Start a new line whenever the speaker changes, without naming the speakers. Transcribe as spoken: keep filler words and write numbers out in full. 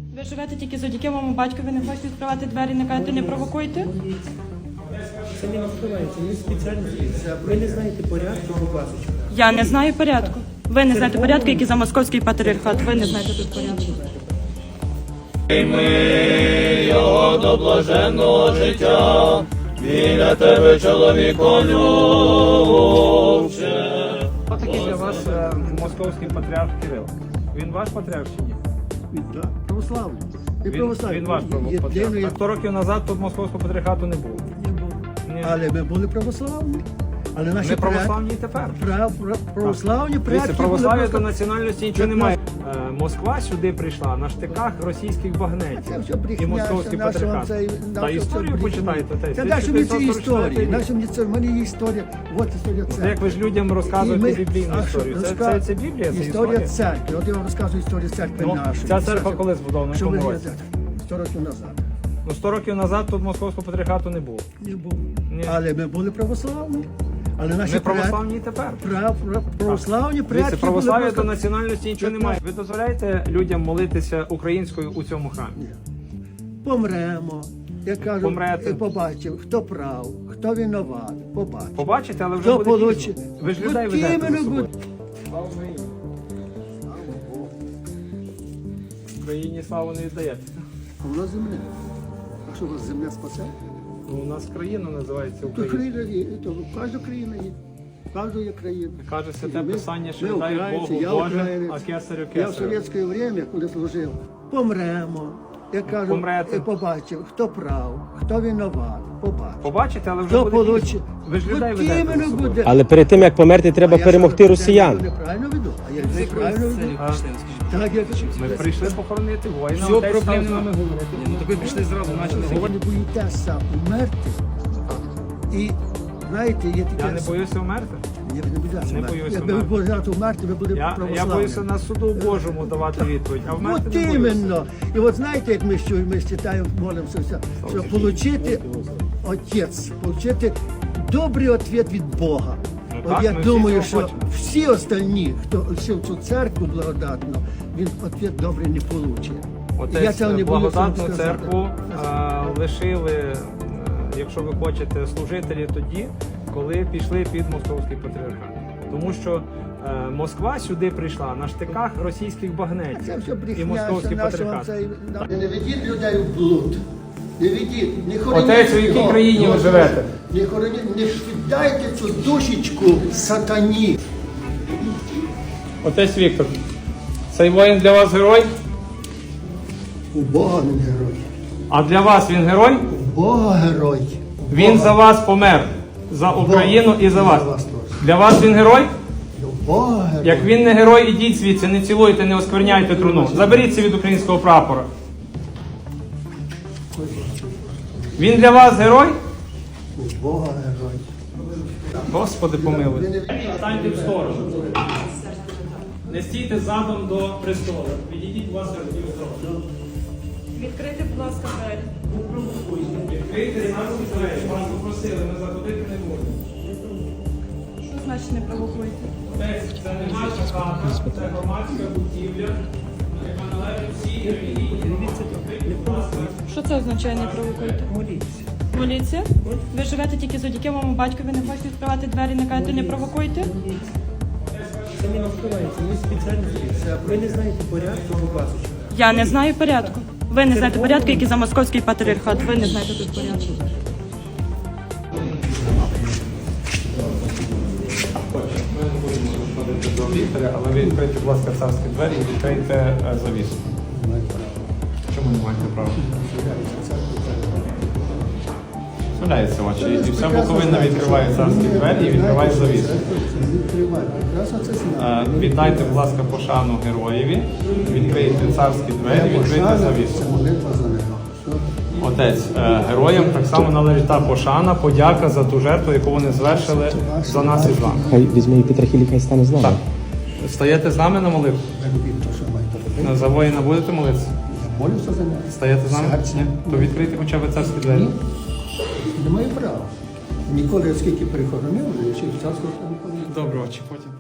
Ви живете тільки завдяки моєму батькові, не хочете відкривати двері, не кажете, не провокуйте?
Це не відкривається, не спеціально. Ви не знаєте порядку, будь ласка.
Я не знаю порядку. Ви не знаєте порядку, який за московський патріархат. Ви не знаєте тут порядку.
Ми його до блаженного життя, біля тебе, чоловіко любче.
Хто такий для вас е, московський патріарх Кирил? Він ваш патріарх чи ні?
Він да, православний. І
Він,
православний.
він ваш
Єдиний-
патріарх. А сто років назад тут московського патріархату не було.
Не було.
Ні.
Але ми були православні. Але наші
Ми православні і тепер.
прав- прав- православні
Дивіться,
предки
православ'я
були
до національності нічого немає. Е, Москва сюди прийшла на штиках російських
Це
багнетів
все брехня,
і московський
це наша
патріархат.
цей-
Та
наша
історію
брехня.
почитайте. Та,
Це наша мені це історія.
історія.
Наша мені це в мене є історія. От історія
Як
церкви.
ви ж людям розказуєте біблійну
а що,
історію? Це,
розка-
це, це Біблія, це
історія
історія.
церкви. От я вам розказую історію церкви
Ну,
нашої.
ця церква коли збудована, в
Що ви
якому році?
знаєте? сто років назад.
Ну, сто років назад тут московського патріархату не було.
Не було.
Ні.
Але ми були православні. Але наші
Ми
предки-
православні і тепер.
Прав, прав, православні предки
Дивіться, православ'я
були
до
просто-
національності нічого немає. Ви дозволяєте людям молитися українською у цьому храмі?
Помремо. Я кажу,
Помрете.
і побачив, хто прав, хто винуват, побачив.
Побачите, але вже
Хто
буде
получить?
пізно. Ви ж
От
людей ведете
іменно
за собою.
буде.
Україні славу не віддаєте.
У нас земля. А що у вас земля спасе?
Ну, у нас країна називається
То
Україна.
країна є, то кожна країна є. Кожна є країна.
Каже святе
Ми-
писання, що
ми
віддають
українці,
Богу
я
Боже,
українець.
а кесарю
Я в
кесарю.
совєтське время, коли служив, помремо. Я кажу,
Помрете.
і побачив, хто прав, хто винуват, побачив.
Побачите, але вже
Хто
буде
получить?
пізно. Ви ж людей
От
ведете за
іменно
собою.
буде.
Але перед тим як померти, треба
А я
перемогти
що,
росіян.
Я неправильно веду. А я неправильно веду.
А,
Так, я
Ми прийшли похоронити воїна.
Все,
отець
проблем
став з нами
нема.
говорити.
Ну так ви пішли зразу, почали
Ви не боїтеся умерти. І знаєте, є таке...
Я не боюся вмерти.
Ні, ви не боїтеся
Не
умерти.
боюся
Якби ви
вмерти.
боялися умерти, ви були
Я, я
православні.
боюся на суду Божому давати відповідь, а вмерти
От
не боюся.
іменно. І от знаєте, як ми що ми читаємо, молимося, все, що отримати Отець, отримати добрий відповідь від Бога.
Ну
От
так,
я
ми всі
думаю,
цього
що
хочемо.
всі остальні, хто ще в цю церкву благодатну, він відповідь добрий не отримає.
Отець благодатну церкву а, лишили, е, якщо ви хочете, служителі тоді, коли пішли під московський патріархат. Тому що е, Москва сюди прийшла на штиках російських
Це
багнетів
все
і
брехня,
московський
що нашого
патріархат.
цей... Не ведіть людей в блуд. Не ведіть, не хороніть.
Отець, у якій
його.
країні ви живете?
Не хороніть, не віддайте цю душечку сатані.
Отець Віктор, цей воїн для вас герой?
У Бога він герой.
А для вас він герой?
У Бога герой. У
Він
Бога.
за вас помер. За Україну і за вас.
За вас теж.
Для вас він герой?
У Бога герой.
Як він не герой, ідіть звідси, не цілуйте, не оскверняйте труну. Заберіться від українського прапора. Він для вас герой?
У Бога герой.
Господи помилуй. Станьте в сторону. Не стійте задом до престолу. Відійдіть, будь ласка, в сторону.
Відкрийте, будь ласка, двері.
Відкрийте зараз двері. Вас попросили, ми заходити не будемо.
Що значить не провокуйте?
Отець, це не наша хата, це громадська будівля, яка належить всій релігії. Будь ласка.
Що це означає не провокуйте?
Моліться.
Моліться? Ви живете тільки завдяки моєму батькові, не хочете відкривати двері, не кажете, не провокуйте?
Це не відкривається, не спеціально. Ви не знаєте порядку, будь ласка.
Я не знаю порядку. Ви не знаєте порядку, який за московський патріархат. Ви не знаєте тут порядку.
Ми не будемо заходити до лікаря, але ви відкрийте, будь ласка, царські двері і відкрийте е, завісу. Чому не маєте права? Справляється очі. І вся Буковина відкриває царські двері і відкриває завісу.
Відкривайте. Прекрасно це знає.
Е, Віддайте, будь ласка, пошану героєві, відкрийте царські двері, відкрийте завісу.
Молитва за нього.
Отець, е, героям так само належить та пошана, подяка за ту жертву, яку вони звершили за нас і з вами.
Хай візьме і Петрахілі, хай стане з нами.
Так. Стаєте з нами на молитву?
Робіть те, що маєте робити.
За воїна будете молитися?
Я молюся за нього.
Стаєте з нами?
Серце.
Ні? То відкрийте хоча б царські двері.
Немає права. Ніколи, оскільки перехоронив, я ще в царську не ходив.
Добре, очі потім.